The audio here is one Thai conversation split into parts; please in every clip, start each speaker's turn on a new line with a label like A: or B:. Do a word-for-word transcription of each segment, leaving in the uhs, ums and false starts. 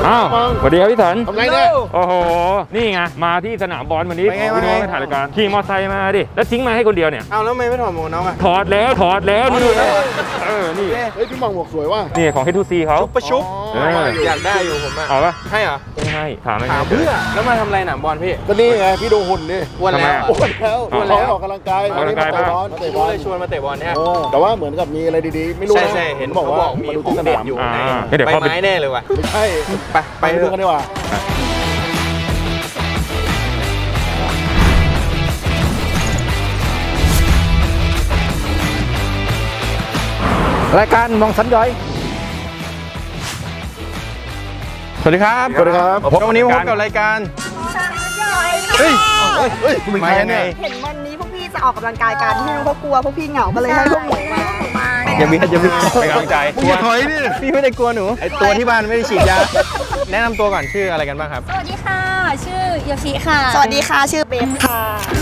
A: อ้าวสวัสดีครับพี่สัน
B: ทำไรเนี่ย
A: โอ้โหนี่ไงมาที่สนามบอลวันนี้พี่น้องมาถ่ายรายการขี่มอเตอร์ไซค์มาดิแล้วทิ้งมาให้คนเดียวเนี่ย
C: เอาแล้วไม่ไม่ถอดหมวกน้องอ่ะ
A: ถอดแล้วถอดแล้วนี่เออนี่
B: เฮ้ยพี่มองหมวกสวยว่ะ
A: นี่ของ เอช ทู ซี เขา
C: ชุบประชุบอยากได้อยู่ผมอ่ะ
A: เอาปะ
C: ให้เหรอ
A: ไม่ให้ถามไม่
C: ถามเพื่อแล้วมาทำอะไรหนามบอลพี่
B: ก็นี่ไงพี่ดูหุ่นดิ
C: อ้วนแล้ว
B: อ้วนแล้วอ้วนแล้วออกกำลังกาย
A: ออกกำลังกายบ้าง
B: เตะบ
C: รู้
B: อล
C: เลยชวนมาเตะบอลเนี่ย
B: แต่ว่าเหมือนกับมีอะไรดีๆไม่รู้นะ
C: ใช่ใช่เห็นบอกว่ามีของเด็ดอยู่ในใบไม้แน่เลยว่ะ
B: ไม่ใช่
C: ไปไป
B: ดูกันดีกว่า
A: รายการมองสันย้อย
C: สวัสดีครับ
B: สวัสดีครับ
C: วันนี้พบกับรายการ
B: เฮ้ยเฮ้ยคุณเป็นใครเนี่ย
D: เห็นวันนี้พวกพี่จะออกกำลังกายกันพี่น้องเขากลัวพวกพี่เหงาก็เลยให้พวกหนูมา
C: อย่าบีอย่าบี
A: เป็นกำลังใจ
B: มึงอย่าถอยดิ
C: พี่ไม่ได้กลัวหนูไอตัวที่บ้านไม่ได้ฉีดยาแนะนำตัวก่อนชื่ออะไรกันบ้างครับ
E: สวัสดีค่ะชื่อโยชิค่ะ
D: สวัสดีค่ะชื่อเบฟค่ะ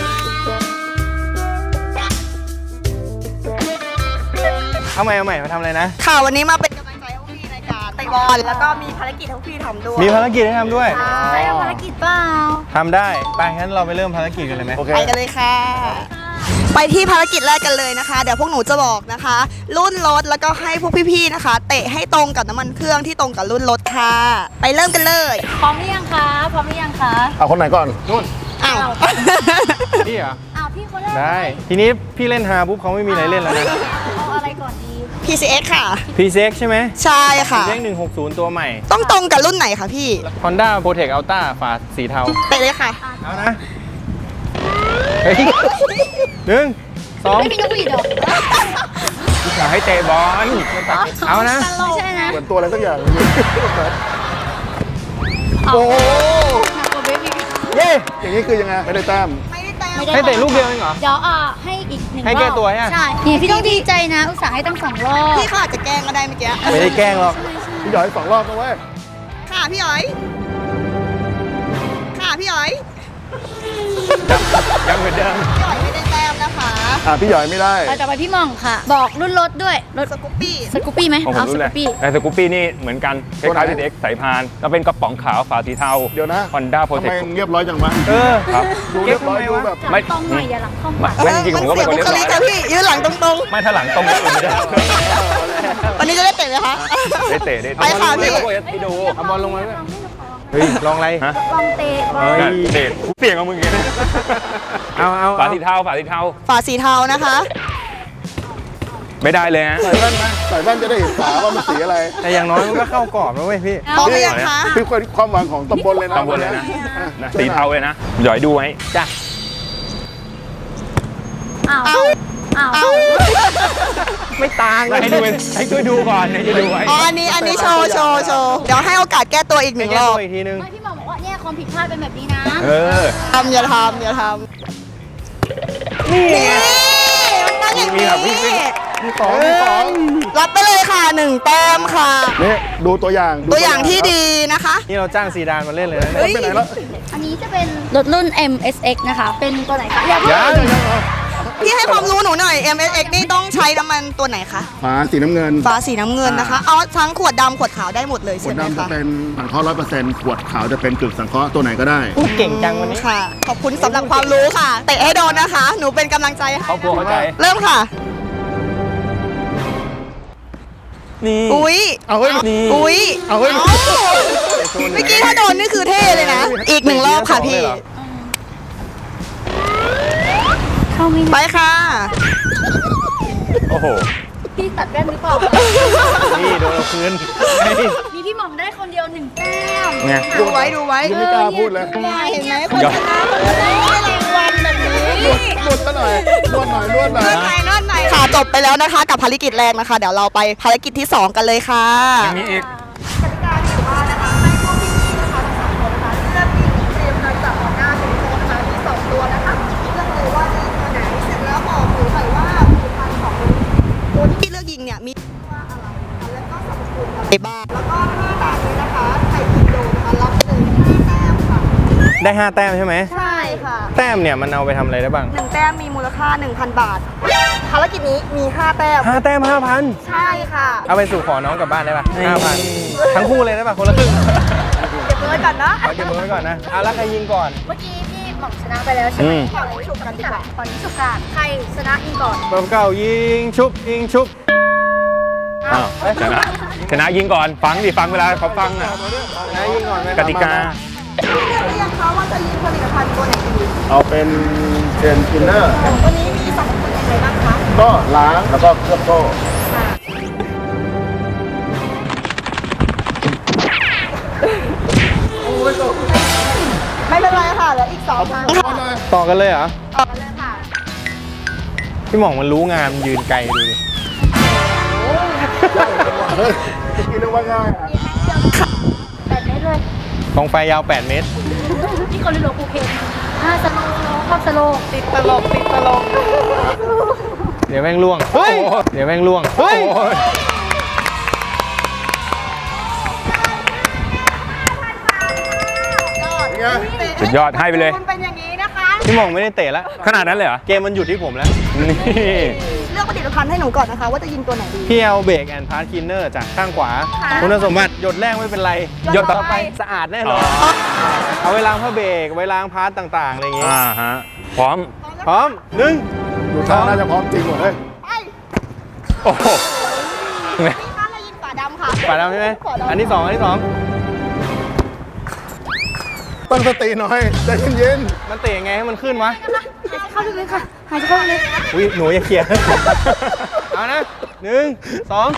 C: เอาใหม่เอาใหม่มาทำอะไรนะ
D: ค่ะวันนี้มาเป็นกำลังใจให้พวกพี่ในการเตะบอลแล้วก็มีภารกิจให้พวกพี่ทำด้วย
C: มีภารกิจให้ทำด้วย
E: ได้ภารกิจเปล่า
C: ทำได้ไปงั้นเราไปเริ่มภารกิจกันเลยไหม
D: ไปกันเลยค่ะไปที่ภารกิจแรกกันเลยนะคะเดี๋ยวพวกหนูจะบอกนะคะ รุ่นรถแล้วก็ให้พวกพี่ๆนะคะเตะให้ตรงกับน้ำมันเครื่องที่ตรงกับรุ่นรถค่ะไปเริ่มกันเลย
E: พร้อมหรือยังคะพร้อมหรือยังคะ
B: เอาคนไหนก่อน
C: นู่น
D: อ้าว
C: พี่เหรอ
E: อ้าวพี่คนแรก
C: ได้ทีนี้พี่เล่นฮาปุ๊บเขาไม่มีอะไรเล่นแล้วนะ
E: เอาอะไรก่อนดี
D: พี ซี เอ็กซ์ ค่ะ
C: พี ซี เอ็กซ์ ใช่ไหม
D: ใช่ค่ะ
C: พี ซี เอ็กซ์ หนึ่งหกศูนย์ตัวใหม่
D: ต้องตรงกับรุ่นไหนคะพี่
C: Honda Protect Ultra ฝาสีเทา
D: เตะเลยค่ะ
C: เอานะเฮ้ยหนึ่งสอง
E: ไม่มีนกหวีดหรอ
A: อยากให้เตะบอล
C: เอานะ
E: ไม่ใช่นะ
B: เหมือนตัวอะไรสักอย่าง
E: โอ้หนักกว่าเบบี้
C: เย้
B: อย่างนี้คือยังไงไม่ได้แต้ม
D: ไม่ได้แต้ม
C: ให้เตะลูกเดียวเองเหรอ
E: เดี๋ยวอ่ะให้อีกหนึ่งรอบ
C: ให้แก้ตัวใช่ไหม
E: ใช่เนี่ยพี่ต้องดีใจนะอุตส่าห์ให้ตั้งสองรอบ
D: พี่เขาอาจจะแกล้งก็ได้เมื่อกี้
C: ไม่ได้แกล้งหรอก
B: พี่หยอยสองรอบนะเว้ย
D: ค่ะพี่หยอยค่ะพี่หยอย
C: ยังเหมือนเดิม
D: พี่หยอยไม่ได้แต้มนะคะ
B: อ่าพี่หยอยไม่ได้
E: ต่อไปพี่มองค่ะบอกรุ่นรถด้วยรถ
D: สกูปปี้
E: สกูปปี้ไหม
A: เอาสกูปปี้แต่สกูปปี้นี่เหมือนกันคล้ายๆ พี ซี เอ็กซ์ สายพานแล้วเป็นกระป๋องขาวฝาสีเทา
B: เดี๋ยวนะ
A: Honda
B: ทำไม
A: Protect
B: เรียบร้อยจังวะ
C: เออ
A: ครับ
B: ดูเรียบร้อยดูแบบ
E: ไม่ตรงหน่อยอย่าหลังเข้ามา
A: ไม่จริงผมก็เป็นคนเรียบร้อย
D: ค่ะพี่ยืนหลังตรง
A: ไม่ถ้าหลังตรงก็ไม่ได้
D: วันนี้จะได้เตะไหมคะ
A: ได้เตะได้
D: ไปค่ะพี่
A: พี่ดู
C: เอาบอลลงมาด้วยเฮ้ยลองอะไร
A: ฮะ
E: ลองเตะบอล
A: เตะเสียงของมึงอย่างนี้
C: เอาเอา
A: ฝาสีเทาฝาสีเทา
D: ฝาสีเทานะคะ
A: ไม่ได้เลยฮะ
B: ใส่แว่นไหมใส่แว่นจะได้เห็นฝาว่ามันสีอะไร
C: แต่อย่างน้อยมันก็เข้ากรอบแล้วเว้ยพี่
D: พร้อมหรือยังคะ
B: คือความหวังของตำบลเลยนะ
A: ตำบลเลยนะสีเทาเลยนะหย่อยดูไว้
C: จ้ะ
E: อ้าวอ้าว
C: ไม่ต่าง
A: ให้ดูให้ช่วยดูก่อนให้ช่วยดูไว้
D: อ๋ออันนี้อันนี้โชว์โชว์โชว์เดี๋ยวให้โอกาสแก้ตัวอีกหนึ่งรอบ
C: อีกทีนึง
E: ไม่พี่หมอบอกว่าเนี่ยความผิดพลาดเป็นแบบนี้นะ
A: เออ
D: ทำอย่าทำอย่าทำ
C: นี่
D: มันต้องอย่างนี้
B: มีสองมีสอง
D: รับไปเลยค่ะหนึ่งแต้มค่ะ
B: นี่ดูตัวอย่าง
D: ตัวอย่างที่ดีนะคะ
C: นี่เราจ้างซีดานมาเล่นเลยนะ
B: ไปไหนแล้ว
E: อันนี้จะเป็นรถรุ่น เอ็ม เอส เอ็กซ์ นะคะเป็นตัวไหนคะ
C: ยัง
D: พี่ให้ความรู้หนูหน่อย เอ็ม เอส เอ็กซ์ นี่ต้องใช้น้ำมันตัวไหนคะ
B: ฝาสีน้ำเงิน
D: ฝาสีน้ำเงินนะคะเอาทั้งขวดดำขวดขาวได้หมดเลยใช่ไหมคะ
B: ขวดดำจะเป็นสังเคราะห์ร้อยเปอร์เซ็นต์ขวดขาวจะเป็นกึ่งสังเคราะห์ตัวไหนก็ได้
C: พูดเก่งจังวันนี้
D: ค่ะขอบคุณสำหรับความรู้ค่ะเตะให้โดนนะคะหนูเป็นกำลังใจให้
A: ครอบครัวเข้าใจ
D: เริ่มค่ะ
A: นี่
D: อุ้ย
B: เอาเฮ้ย
A: นี่
D: อุ้ย
B: เอาเฮ้ย
D: เมื่อกี้ถ้าโดนนี่คือเท่เลยนะอีกหนึ่งรอบค่ะพี่
E: เข้าไม่
D: ไปค่ะ
A: โอ้โห
E: พี่ตัดแว่นหรือเปล่า
C: นี่โดนเราคืน
E: มีพี่หม่อมได้คนเดียวหนึ่งแต้ม
D: ดูไว้ดูไว้
B: ไม่กล้าพูดเลย
D: เห็นไหมคนชนะเขาได้รางวัลแบบนี้
B: นวดซะหน่อยนวดหน่อยนวดหน่อย
D: นวดหน่อยนวดหน่อยค่ะจบไปแล้วนะคะกับภารกิจแรกนะคะเดี๋ยวเราไปภารกิจที่สองกันเลยค่ะ
A: ยังมีอีก
D: กติกาที่ว่านะคะให้พวกพี่ๆนะคะทั้งสามคนนะคะเลือกยิงเตรียมการจับออกหน้าเป็นโค้ดนะคะมีสองตัวนะคะเลือกเลยว่าจะยิงตัวไหนเสร็จแล้วบอกหนูหน่อยว่าผลิตภัณฑ์ของตัวที่พี่เลือกยิงเนี่ยมีว่าอะไรนะคะแล้วก็สรรพคุณอะไรบ้างแล้วก็ห้าด่านนี้นะคะใครผิดโดนนะคะรับไปเลยห้าแต้มค่ะ
C: ได้ห้าแต้มใช่ไหม
D: ใช่ค่ะ
C: แต้มเนี่ยมันเอาไปทำอะไรได้บ้าง
D: หนึ่งแต้มมีมูลค่า หนึ่งพัน บาทภารกิจนี้มีห้าแต้ม
C: ห้าแต้มห้าพัน
D: ใช่ค่ะ
C: เอาไปสู่ขอน้องกลับบ้านได้ป่ะห้าพันทั้งคู่เลยได้ป่ะคนละครึ่ง
D: บมือไว้ก่อนเนาะ
C: ขอเก็บมือไว้ก่อนนะเอาแล้วใครยิงก่อน
E: เมื่อกี้พี่หม่อมชนะไปแล้วใช่ไหม
A: อืม
D: ขอให้ฉุกกันดีกว่า
E: ตอนนี้สุกาใครชนะอิงก่อน
C: เบอร์เก้ายิงชุบยิงชุบ
A: อ้าวชนะชนะยิงก่อนฟังดิฟังเวลาเขาฟังอ่ะ
C: นะยิงก่อนไหม
A: กติกา
D: พี่เลือกหรือยังคะว่าจะยิงผลิตภัณฑ์ตัวไหนดี
B: เอาเป็นเจนทินเนอร์
D: วันนี้มีสองคนยังไงบ้างคะ
B: ก็ล้างแล้วก็เคลือบโซ่
D: ไม่เป็นไรค่ะเหลืออีกสองทาง
C: ต่อกันเลยเหรอ
D: ต่อกันเลยค่ะ
C: พี่หม่องมันรู้งานมันยืนไกลดูดิ
B: เฮ้ยคิดว่าง่ายอะ
E: แปดเมตรเลย
C: กองไฟยาวแปดเมตร
E: นี่คนรู้โลกูเพนอ่าสโลว์ชอบสโลว์
D: ติดตลกติดตลก
C: เดี๋ยวแม่งล่วงเฮ้ยเดี๋ยวแม่งล่วงเฮ้ย
A: สุดยอดให้ไปเลย
D: มันเป็นอย่างนี้นะคะ
C: พี่หม่องไม่ได้เตะแล้ว
A: ขนาดนั้นเลยเหรอ
C: เกมมันหยุดที่ผมแล้ว
A: นี่
D: เลือกผลิตภัณฑ์ให้หนูก่อนนะคะ ว่าจะยิงตัวไหนดี
C: พี่เอาเบรกแอนด์พาร์ทคินเนอร์จากข้างขวา
D: ค่ะ
C: คุณสมบัติหยดแรกไม่เป็นไร
D: หยดต่อไป
C: สะอาดแน่นอนเอาไว้ล้างผ้าเบรกไว้ล้างพาร์ทต่างๆอะไรอย่างงี้
A: อ่าฮะพร้อม
C: พร้อมหนึ่ง
B: ดูท่าน่าจะพร้อมจริงหมดเลย
D: ไป
A: โอ้โห
D: นี่ค่ะเรายิงฝาดำค่ะ
C: ฝาดำใช่ไหม
D: ฝาดำ
C: อันที่สองอันที่สอง
B: ตั้งสติหน่อยใจเย็น
C: มันเตะยังไงให้มันขึ้นวะ
E: หายใจเข้าลึกๆค่ะ หายใจเข้าลึก
C: อุ้ยหนูอย่าเขี่ย เอานะหนึ่งสอง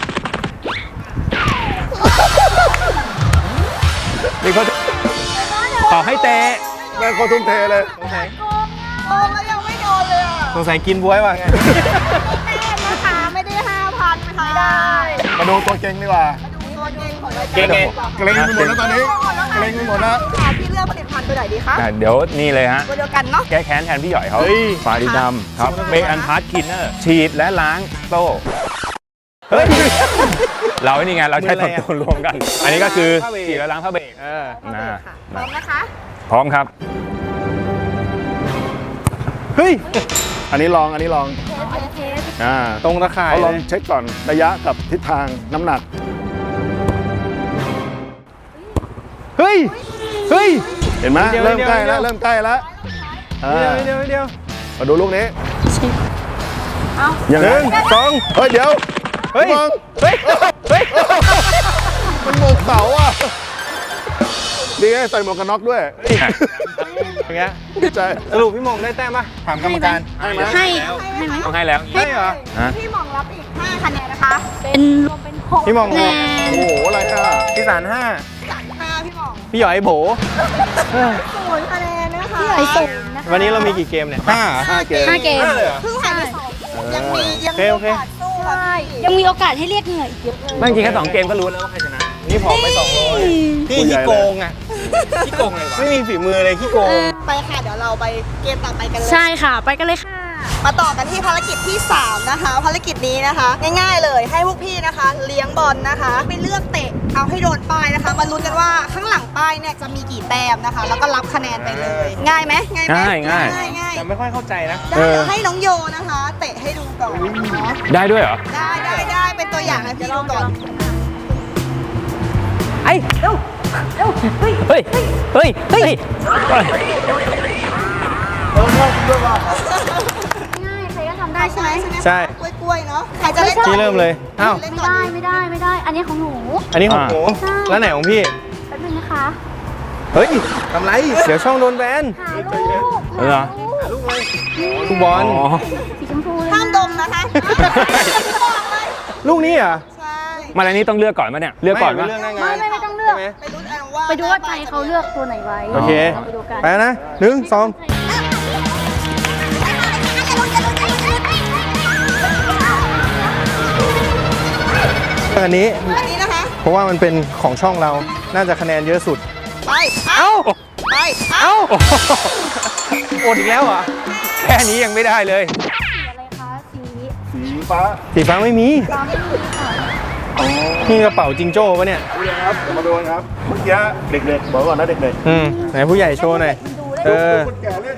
A: นี่เขาขอให้เตะ
B: ๆแม่งโคตรทุ่มเทเลย
C: สงสัย
D: โอ้แล้วยังไม่โดนเลยอ่ะ
C: สงสัยกินบวยว่ะไง
D: แต้มนะคะไม่ได้ห้าพันค่ะไม่ได้
B: มาดูตัวเก่งดีกว่า
D: ดูตัวเก่งของรายการ
A: เก่งไง
B: เกรงไปหมดแล้วตอนนี้เกรงไปหมดแล้ว
D: ค่ะพี่เลือกผลิตภัณฑ์ตัวไหนดีคะ
A: อ่ะเดี๋ยวนี่เลยฮะ
D: ตัวเดียวกันเนาะ
A: แก้แค้นแทนพี่หย่อยเขาฝาดีดำครับเบรกอันพาร์ทคินเนอร์ฉีดและล้างโซ่
C: เฮ้ย
A: เรานี่ไงเราใช้สองตัวรวมกัน อันนี้ก็คือ
C: ผ้าเบรก
A: ฉีดและล้างผ้าเบรก
C: เออ
A: นะ
D: ค่ะพร้อมนะคะ
A: พร้อมครับ
C: เฮ้ย
B: อันนี้ลองอันนี้ลอง อ่า
C: ตรงตะข่าย
B: เขาล
C: เล
B: อง
C: ย
B: เช็คก่อนระยะกับทิศทางน้ำหนัก
C: เฮ้ย เฮ้ย
B: เห็นไหม
C: เดี๋ยว
B: เริ่ม
C: เดี๋ยว
B: ใกล้แล้ว
C: เดี๋ยว
B: เริ่มใกล้แล้วอ่า
C: เดียวเดียวเดียว
B: มาดูลูกนี้
D: เอา
B: ยัง
C: ห
B: ไง
C: นึ่งสอง
B: เฮ้ยเดี๋ยว
C: เฮ้ย
B: มอง
C: เฮ้ย เฮ้ย
B: มันโมกเสาอ่ะดีไงใส่หมวกกันน็อกด้วย
C: อย่างเงี้ย
B: ดีใจ
C: สรุปพี่หมงได้แต้มปะถามกรรมการ
B: ให้ไหม
E: ๆให้ให้ไหม
A: ต้องให้แล้ว
C: ใช่เหรอ
A: ฮะ
D: พี่หมองรับอีกห้าคะแนนนะคะ
E: เป็นรวมเป็นหก
C: พี่หม่อง
E: คะแนน
B: โอ้โหอะไรอ่ะ
C: พี่สารห้า
D: จัดห้าพี่หมอง
C: พี่หยอยโบ
D: ศูนย์คะแนนนะคะ
E: พี่หอยส่งนะคะ
C: วันนี้เรามีกี่เกมเนี่ยห้า
B: ห้าเกม
E: ห้าเกม
C: ห้าเลยเหรอ
D: เพิ่งผ่านไปสองยังมียังมี
C: โอ
D: โอ
C: เค
D: กาสสู้
E: ใช่
D: ค่ะ
E: ยังมีโอกาสให้เรียกเหงื่ออีกเยอะเลย
A: ไม่จริงแค่สองเกมก็รู้แล้วว่าใครชนะ
C: นี่ผอมไปสองร้อยพี่ขี้โกงอ่ะขี้โกงเลยวะไม่มีฝีมือเลยขี้โกง
D: ไปค่ะเดี๋ยวเราไปเกมต่อไปกันเลย
E: ใช่ค่ะ ไปกันเลยค่ะ
D: มาต่อกันที่ภารกิจที่สามนะคะ ภารกิจนี้นะคะ ง่ายๆเลยให้พวกพี่นะคะ เลี้ยงบอลนะคะไปเลือกเตะเอาให้โดนป้ายนะคะมาลุ้นกันว่าข้างหลังป้ายเนี่ยจะมีกี่แต้มนะคะ แล้วก็รับคะแนนไปเลย ง่ายไหมง่ายไหม
A: ง่ายง่าย
D: ง่ายง่าย
C: แต่ไม่ค่อยเข้าใจนะ
D: ได้เดี๋ยวให้น้องโยนะคะ เตะให้ดูก่อนเนาะ
A: ได้ด้วยเหรอ
D: ได้ได้ได้เป็นตัวอย่างให้พี่ดูก่อน
A: ไอ้เร็วเร็วเฮ้ย เฮ้ย เฮ้ย เฮ้ย
E: ง่ายใครก็ทำได้ใช่ไหม
C: ใช่
D: กล้วยๆเนาะใครจะเล่นก่อน
C: พี่เริ่มเลยอ้าว
D: เล่น
E: ไม่
D: ก่อน
E: ได้ไม่ได้ไม่ได้ อันนี้ของหนู
C: อันนี้ของหนู
E: ใช่
C: แล้วไหนของพี่
E: แป๊บนึงนะคะ
C: เฮ้ยทำไร เดี๋ยวช่องโดนแบน
E: หาลูก
A: เหรอ
E: หาลูก
C: ลูกบอล
A: อ๋อ
E: สีชมพูเลย
D: ห้ามดมนะคะบอกเลย
C: ลูกนี้เหรอ
D: ใช่
A: มาแล้วนี้ต้องเลือกก่อนไหมเนี่ย เลือกก่อน
C: ไม่
A: ปะ
C: เรื่องหน้างา
E: ไม่
C: น
E: ไม่ไม่ต้องเลือก
C: ใช่ไหม
D: ไปดูกันว่า
E: ไปดูว่าใจเขาเลือกตัวไหนไว้
C: โอเค
E: ราไปดูกัน
C: ไปแล้วนะหนึ่งสองอันนี้
D: อันนี้นะคะ
C: เพราะว่ามันเป็นของช่องเรา น่าจะคะแนนเยอะสุด
D: ไป เอ้า ไป เอ้า
C: เอ้าอดอีกแล้วเหรอ
A: แค่นี้ยังไม่ได้เลย
E: สีอะไรคะสี
B: สีฟ้า
C: สีฟ้าไม่มี
E: ฟ้าไม่มีค่ะ
C: นี่กระเป๋าจิงโจ้ปะเนี่ย
B: ดูเลยครับเดี๋ยวมาดูกันครับ เมื่อกี้เด็กๆ บอกก่อนนะเด็ก
C: อืมไหนผู้ใหญ่โชว์หน่อย เออ
B: ๆคนแก่เล่น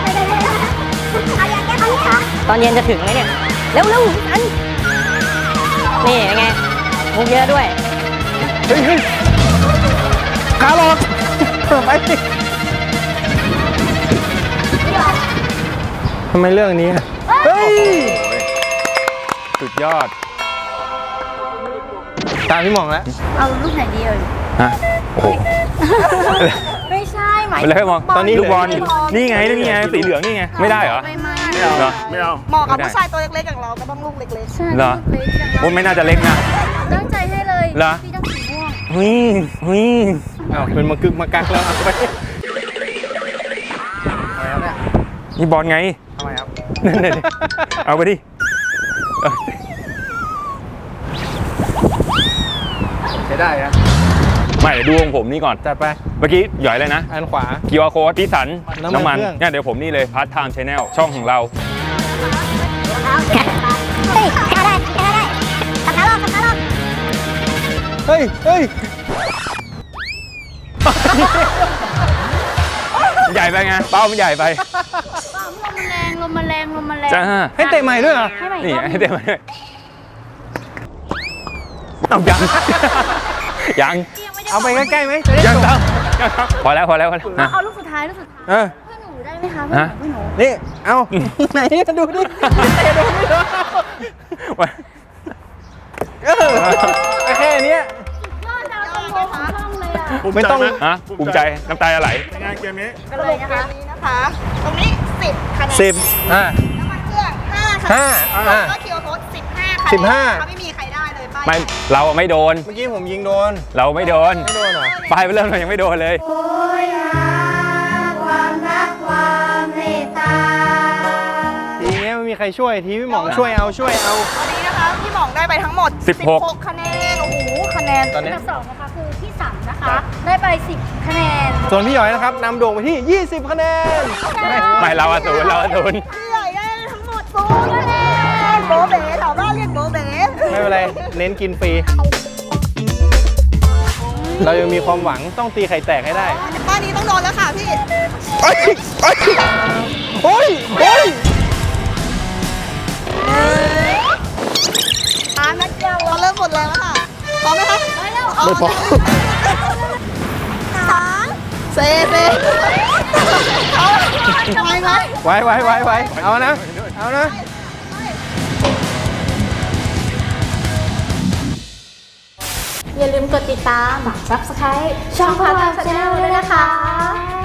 F: ตอนเย็นจะถึงไหมเนี่ย เร็วเร็วอันนี่ยังไงมุกเยอะด้วย
C: เฮ้ยเฮ้ยขาหลอกไปทำไมเรื่องนี้อะเฮ้ย
A: สุดยอด
C: ตามพี่หม่องแล้ว
E: เอาลูกไหนดีเอ่ย
A: ฮะ โอ้โห
E: ไม่ใช่หมาย
A: ไปเลยมอง
C: ตอนนี้
A: ลูกบอล
C: เหลือ
A: นี่ไงนี่ไงสีเหลืองนี่ไง ไม่ได้เหรอ
E: ไม่ไม่
A: เหรอ
B: ไม่เอา
D: เหมาะกับผู้ชายตัวเล็กๆอย่างเราก็ต้องลูกเล็ก
E: ใช่
A: เหรอ
E: ลูกเล็กอย่าง
A: โอ้ไม่น่าจะเล็กนะ
E: ตั้งใจให้เลย
A: เหรอ
E: พี่ต้องสีม่วง
A: หุยหุย
C: อ้าวเป็นมากึกมากักแล้วเอาไป
A: นี่บอลไง
C: ทำไมครับ
A: นั่นเลยเอาไปดิเออ
C: ใช้ได้อะ
A: ไม่เดี๋ยวดูของผมนี่ก่อน
C: จัดไป
A: เมื่อกี้หย่อยเลยนะ
C: อันขวา
A: คิว อาร์ Code พี่สัน
C: น้ำมัน
A: น้ำมัน
C: เครื่อง
A: เนี่ยเดี๋ยวผมนี่เลย Part Time Channel ช่องของเรา
F: เฮ้ยแค่ได้แค่ได้ขับขาลอกขับขาลอก
C: เฮ้ยเฮ้ย
A: ใหญ่ไปไง เป้ามันใหญ่ไป
E: ลมมันแรงลมมันแรงลมมันแรง
A: จ้า
C: ให้เตะใหม่ด้วยเหรอ
E: ให้ใหม่
A: นี่
E: อีกรอบ
A: ให้เต็มเลยเอายัง ยัง
C: เอาไปใกล้ๆไหมจะได้
A: ยัง
C: จบ
A: ต้องยังต้องพอแล้วพอแล้วพอแล้วนะ
E: เอาลูกสุดท้ายลูกสุดท้าย
C: เออ
E: เพื่อนหนูได้ไหมคะเพื่อนหนูเพื่อนหนู
C: นี่ เอาไหนดูดิเตะโดนไม่โดนเออแค่เนี้ย
E: ยอดดาวตลกของช่องเลยอ่ะ
C: ไม่ต้อง
A: ฮะภูมิใจน้ำตาจะไหล
B: งานเกมนี้
D: ๆสรุปเกมนี้นะคะ ตรงนี้สิบคะแนน
C: สิบอ่า
D: น้ำมันเครื่องห้าคะ
C: ห้า
D: แนน
C: อ่า
D: แล้วก็คิวโค้ดสิบห้าคะแนน
C: สิบห้า
D: ถ้าไม่มีใครได้เลยป้าย
A: ไม่เราอะไม่โดน
C: เมื่อกี้ผมยิงโดน
A: เราไม่โดน
C: ไม่โดนเหรอ
A: ปลายไปเริ่มเรายังไม่โดนเลย
C: ทีเนี้ยไม่มีใครช่วย ทีพี่หม่องช่วยเอาช่วยเอา
D: วันนี้นะคะพี่หม่องได้ไปทั้งหมด
A: สิบหก
D: คะแนน โอ้โห คะแนน
C: ตอนเนี้ย
E: อันดับสองนะคะคือพี่สันนะคะ ได้ไปสิบคะแนน
C: ส่วนพี่หยอยนะครับนำโด่งไปที่ ยี่สิบ คะแนน
A: ไม่เราอะศูนย์เราอะศูนย์
D: พี่ใหญ่ได้ทั้งหมดศูนย์คะแนนโบเบ๋แถวบ้านเรียกโบเบ๋
C: ไม่เป็นไร เน้นกินฟรี เรายังมีความหวังต้องตีไข่แตกให้ได้
D: ป้ายนี้ต้องโดนแล้วค่ะพี่
C: โอ้ยโอ้ยโอ้ย
D: อ่านักเดียวเราเริ่มหมดแรงแล้วค่ะพร้อมไหมคะไปแล้ว
C: ไม่พอ
D: สามเซเซเอาทำไมไหม
C: ไว้ไว้ไว้ไว้เอานะ เอานะ
E: อย่าลืมกดติดตาม Subscribe ช่องพาร์ทไทม์ชาแนลด้วยนะคะ